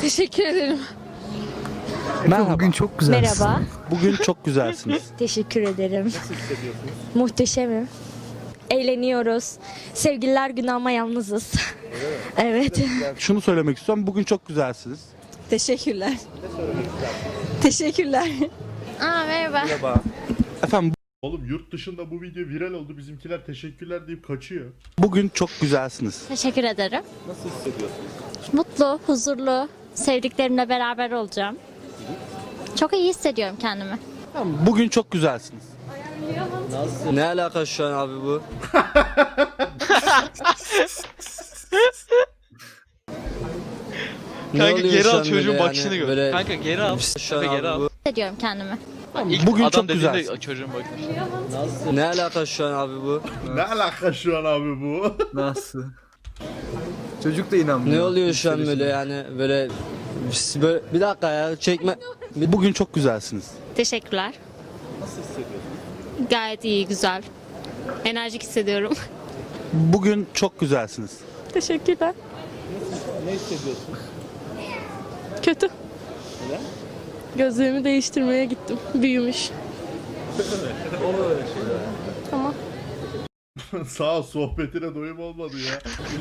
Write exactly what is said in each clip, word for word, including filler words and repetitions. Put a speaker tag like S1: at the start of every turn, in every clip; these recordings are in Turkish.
S1: Teşekkür ederim.
S2: Merhaba.
S3: Bugün çok güzelsin.
S4: Merhaba.
S2: Bugün çok güzelsiniz.
S4: Teşekkür ederim. Muhteşemim. Eğleniyoruz. Sevgililer günü ama yalnızız. Evet.
S2: Şunu söylemek istiyorum. Bugün çok güzelsiniz.
S1: Teşekkürler. Teşekkürler. Aa merhaba.
S2: Efendim
S5: Oğlum yurt dışında bu video viral oldu. Bizimkiler teşekkürler deyip kaçıyor.
S2: bugün çok güzelsiniz.
S6: Teşekkür ederim. Nasıl hissediyorsunuz? Mutlu, huzurlu, sevdiklerimle beraber olacağım. Çok iyi hissediyorum kendimi.
S2: Bugün çok güzelsiniz.
S7: Ne alaka şu an abi bu? Ne
S8: Kanka
S7: oluyor
S8: geri
S7: şu
S8: al
S7: an
S8: çocuğun
S7: böyle
S8: bakışını
S7: yani?
S8: gör.
S7: Böyle
S8: Kanka geri al.
S7: şu an
S8: Kanka geri
S7: abi
S8: al.
S7: bu.
S6: Hissediyorum kendimi.
S8: İlk
S2: Bugün
S8: adam
S2: çok
S8: dediğinde
S2: güzelsin.
S8: çocuğun bakışı.
S7: Ne alaka şu an abi bu?
S5: Ne alaka şu an abi bu?
S3: Nasıl? Çocuk da inanmıyor.
S7: Ne oluyor şu an böyle yani böyle böyle bir dakika ya çekme.
S2: Bugün çok güzelsiniz.
S6: Teşekkürler. Nasıl hissediyorsun? Gayet iyi, güzel. Enerjik hissediyorum.
S2: Bugün çok güzelsiniz.
S1: Teşekkürler.
S8: Ne hissediyorsun?
S1: Kötü. Neden? Gözlüğümü değiştirmeye gittim. Büyümüş. Tamam.
S5: Sağ ol, sohbetine doyum olmadı ya.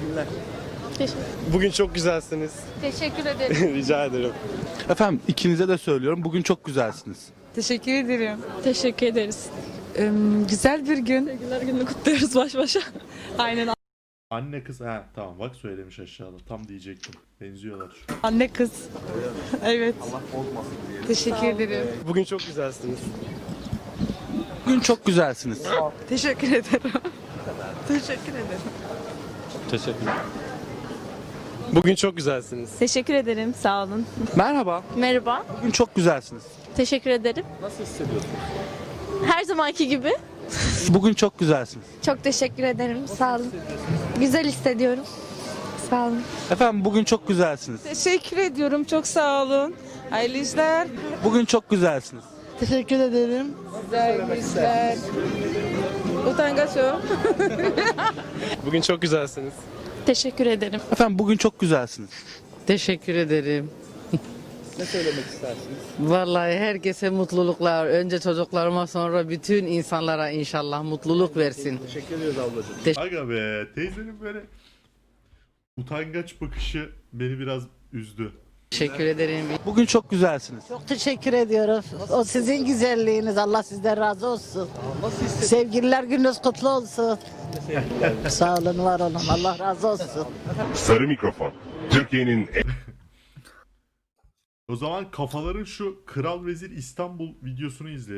S9: Bugün çok güzelsiniz.
S1: Teşekkür ederim.
S9: Rica ederim.
S2: Efendim ikinize de söylüyorum. Bugün çok güzelsiniz.
S10: Teşekkür ederim.
S1: Teşekkür ederiz.
S10: Ee, güzel bir gün.
S1: Sevgililer gününü kutluyoruz baş başa.
S10: Aynen
S5: Anne kız ha tamam bak söylemiş aşağıda. Tam diyecektim. Benziyorlar şu an.
S10: anne kız. Evet. Teşekkür ederim.
S9: Bugün çok güzelsiniz.
S2: Bugün çok güzelsiniz.
S10: Teşekkür ederim. Teşekkür ederim.
S9: Teşekkürler. Bugün çok güzelsiniz.
S1: Teşekkür ederim. Sağ olun.
S2: Merhaba.
S1: Merhaba.
S2: Bugün çok güzelsiniz.
S1: Teşekkür ederim.
S8: Nasıl hissediyorsun?
S1: Her zamanki gibi.
S2: Bugün çok güzelsiniz.
S4: Çok teşekkür ederim. Sağ olun. Güzel hissediyorum. Sağ olun.
S2: Efendim bugün çok güzelsiniz.
S10: Teşekkür ediyorum. Çok sağ olun. Hayırlı işler.
S2: Bugün çok güzelsiniz.
S10: Teşekkür ederim. Güzel işler. Utangaç o.
S9: Bugün çok güzelsiniz.
S1: Teşekkür ederim.
S2: Efendim bugün çok güzelsiniz.
S11: Teşekkür ederim.
S8: Ne söylemek istersiniz?
S11: Vallahi herkese mutluluklar. Önce çocuklarıma sonra bütün insanlara inşallah mutluluk versin.
S8: Teşekkür ediyoruz ablacığım.
S5: Aga be teyzenin böyle utangaç bakışı beni biraz üzdü.
S11: Teşekkür ederim.
S2: Bugün çok güzelsiniz.
S11: Çok teşekkür ediyoruz. O sizin güzelliğiniz. Allah sizden razı olsun. Sevgililer gününüz kutlu olsun. Sağ olun, var olun. Allah razı olsun.
S12: Sarı Mikrofon. Türkiye'nin
S5: O zaman kafaların şu Kral Vezir İstanbul videosunu izleyelim.